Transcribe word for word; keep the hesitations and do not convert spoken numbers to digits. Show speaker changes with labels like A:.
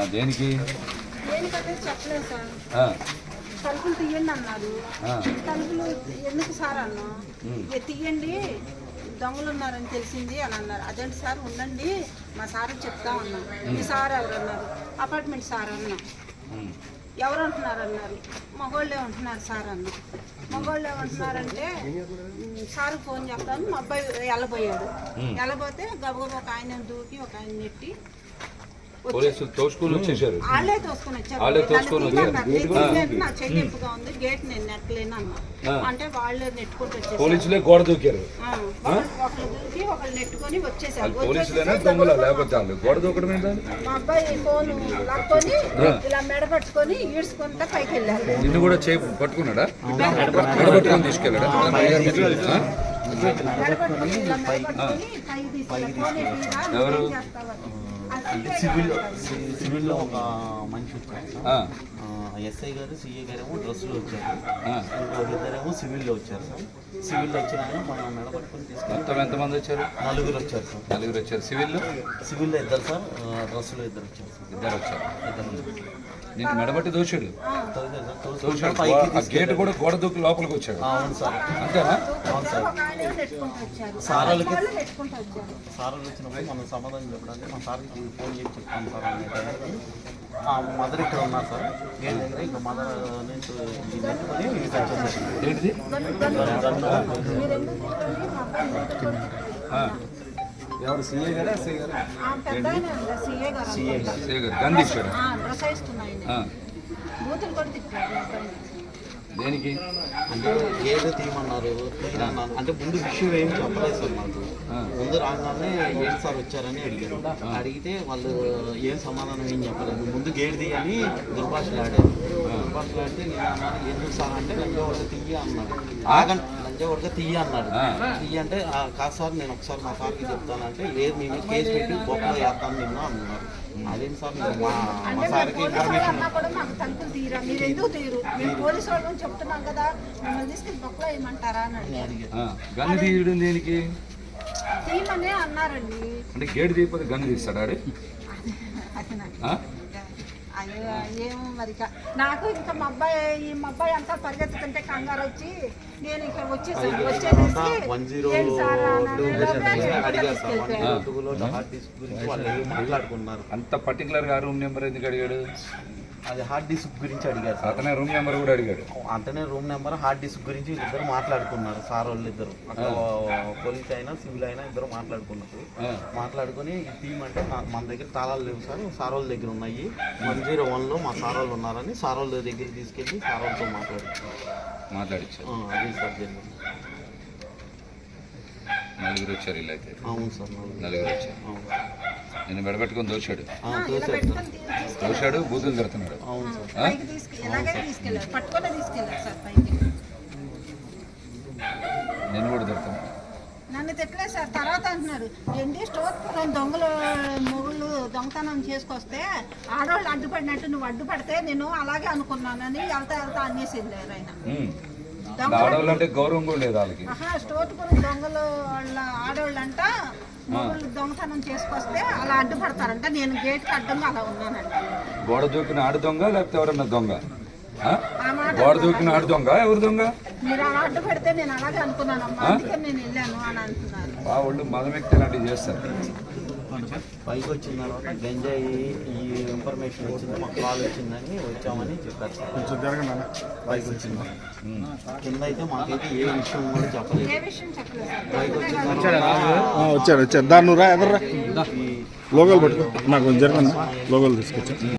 A: దేనికి
B: దేనికంటే చెప్పలేదు సార్. తలుపులు తీయండి అన్నారు. తలుపులు ఎందుకు సార్ అన్నా, తీయండి దొంగలు ఉన్నారని తెలిసింది అని అన్నారు. అదేంటి సార్ ఉండండి మా సార్ చెప్తా ఉన్నాం. మీ సార్ ఎవరు అన్నారు, అపార్ట్మెంట్ సార్ అన్నా. ఎవరు అంటున్నారు అన్నారు, మగోళ్ళే ఉంటున్నారు సార్ అన్న. మగోళ్ళు ఏమంటున్నారంటే సార్ ఫోన్ చేస్తాను, మా అబ్బాయి వెళ్ళబోయాడు. వెళ్ళబోతే గబగబా ఒక ఆయన దూకి ఒక ఆయన నెట్టి
A: పోలీసులు తోసుకుని వచ్చేసారు.
B: వాళ్ళే తోసుకుని వచ్చారు. నా చెల్లింపుగా ఉంది, గేట్ నేను నెట్టలేను అన్నా. అంటే వాళ్ళే నెట్టుకుంటూ వచ్చేసారు.
A: పోలీసులే గోడ దూకారు.
B: ఒకళ్ళు దూకి ఒకళ్ళు నెట్టుకొని వచ్చేసారు.
A: గోడ దూకడం
B: మా అబ్బాయి ఫోన్ లాక్కొని ఇలా మెడ పట్టుకొని ఈడ్చుకుంటా పైకి వెళ్ళారు.
A: నిన్ను కూడా చేయి పట్టుకున్నాడా, మెడ పట్టుకొని తీసుకెళ్ళాడా? ఎవరు
C: అంటే సివిల్ సివిల్లో ఒక మనిషి వచ్చారు. ఎస్ఐ గారు సిఏ గారు ఏమో డ్రెస్సులో వచ్చారు. ఇంకొకరిద్దరేమో సివిల్లో వచ్చారు సార్. సివిల్లో వచ్చిన మనం మెడపట్టుకుని తీసుకెళ్ళి
A: మొత్తం ఎంతమంది వచ్చారు?
C: నలుగురు వచ్చారు సార్.
A: నలుగురు వచ్చారు. సివిల్లో
C: సివిల్లో ఇద్దరు సార్, డ్రెస్సులో ఇద్దరు వచ్చారు సార్.
A: ఇద్దరు వచ్చారు.
C: ఇద్దరు
A: నేను మెడబట్టి దోషుడు
C: పైకి
A: గేట్ కూడా గోడ దూకి లోపలికి వచ్చాడు.
C: అవును సార్.
A: అంతేనా?
C: అవును సార్. సార్ వాళ్ళకి సార్ వాళ్ళు వచ్చినప్పుడు మనం సమాధానం చెప్పడానికి మా సార్కి ఫోన్ చేసి చెప్తాం సార్ అనే టైంకి మదర్ ఇక్కడ ఉన్నారు సార్. గేట్ దగ్గర ఇంకా మదర్ నుంచి
A: ఏంటిది ఎవరు సీఏ గారా ఎస్ఐ గారు?
B: సీఏ
A: గారు గంధి ఇచ్చాడు. దేనికి
C: అంటే గేట్ తీయమన్నారు, తీయమన్నారు. అంటే ముందు విషయం ఏం చెప్పలేదు సార్ మాకు. ముందు రాగానే ఏంటి సార్ వచ్చారని అడిగారు. అడిగితే వాళ్ళు ఏం సమాధానం ఏం చెప్పలేదు. ముందు గేట్ తీయని దుర్భాషలు ఆడారు. దుర్భాషలు ఆడితే నేను అన్నాను ఎందుకు సార్ అంటే లంజవడక తీయ అన్నాడు. ఆగండి లంజవడక తీయ అన్నాడు. తీయ అంటే కాదు సార్ నేను ఒకసారి మా సార్కి చెప్తానంటే లేదు మేము కేసు పెట్టి బొక్కలో వేస్తాను నిన్న అన్నారు. అదేం సార్ మా మా సార్కి ఇన్ఫర్మేషన్
B: చెప్తున్నాం కదా మిమ్మల్ని తీసుకెళ్ళి బొక్కలో వేయమంటారా అని అడిగారు.
A: గన్ను తీయడం దేనికి?
B: తీయమనే అన్నారండి.
A: అంటే గేట్ తీయకపోతే గన్ను తీస్తాడా?
B: అయ్యో ఏమో మరి నాకు ఇంకా మా అబ్బాయి ఈ మా అబ్బాయి అంతా పరిగెత్తుతుంటే కంగారు వచ్చి నేను ఇక్కడ వచ్చేసాను. వచ్చేసేసి
C: మాట్లాడుకున్నారు.
A: అంత పర్టికులర్ గా రూమ్ నెంబర్ ఎందుకు అడిగాడు?
C: అది హార్డ్ డిస్క్ గురించి అడిగారు సార్.
A: అతనే రూమ్ నెంబర్ కూడా అడిగాడు.
C: అంతనే రూమ్ నెంబర్ హార్డ్ డిస్క్ గురించి ఇద్దరు మాట్లాడుకున్నారు సార్ వాళ్ళు ఇద్దరు. పోలీస్ అయినా సివిల్ అయినా ఇద్దరు మాట్లాడుకున్నారు. మాట్లాడుకుని ఈ టీమ్ అంటే మన దగ్గర తాళాలు లేవు సార్, సార్ వాళ్ళ దగ్గర ఉన్నాయి. వన్ జీరో వన్లో మా సార్ వాళ్ళు ఉన్నారని సార్ వాళ్ళ దగ్గర తీసుకెళ్ళి సార్ వాళ్ళతో మాట్లాడుతున్నారు.
A: మాట్లాడించారు.
C: అదే సార్ జరిగింది.
A: నలుగురు వచ్చారు. ఇలా అయితే
C: అవును సార్
A: నలుగురు వచ్చారు. నేను మెడబెట్టుకొని దోశాడు
C: దోశాడు
A: బూతులు తిడుతున్నాడు. నేను కూడా తిడుతున్నాను.
B: నన్ను తిట్టలేదు సార్. తర్వాత అంటున్నారు ఏంటి స్టోర్ దొంగలు మొగుళ్ళు దొంగతనం చేసుకొస్తే ఆడవాళ్ళు అడ్డుపడినట్టు నువ్వు అడ్డుపడితే నేను అలాగే అనుకున్నానని వెళ్తా వెళ్తా అనేసి వెళ్ళారు ఆయన.
A: ఆడవాళ్ళు అంటే గౌరవం కూడా లేదు వాళ్ళకి.
B: స్టోర్ దొంగలు వాళ్ళ ఆడవాళ్ళు అంట మొగుళ్ళు దొంగతనం చేసుకొస్తే అలా అడ్డుపడతారంట. నేను గేట్కి అడ్డంగా అలా ఉన్నానంట.
A: గోడ దూకిన ఆడు దొంగ లేకపోతే ఎవరన్నా దొంగ? గోడ దూకిన ఆడు దొంగ ఎవరు దొంగ?
B: మీరు అలా అడ్డు పెడితే నేను అలాగే అనుకున్నాను అమ్మా, అందుకే నేను వెళ్ళాను అని అంటున్నారు.
A: వాళ్ళు మదం వ్యక్తి ఇలాంటివి చేస్తారు.
C: పైకి వచ్చిన తర్వాత గంజాయి ఈ ఇన్ఫర్మేషన్ వచ్చింది, మాకు కాల్ వచ్చిందని వచ్చామని చెప్పారు సార్. కొంచెం జరగండి. పైకి వచ్చింది కింద అయితే మాకైతే ఏ విషయం కూడా చెప్పలేదు. పైకి వచ్చిన
D: వచ్చారు వచ్చారు దాన్ని రా ఎదర్రా లోగోలు పట్టుకో నాకు జరగండి లోగోలు తీసుకొచ్చా.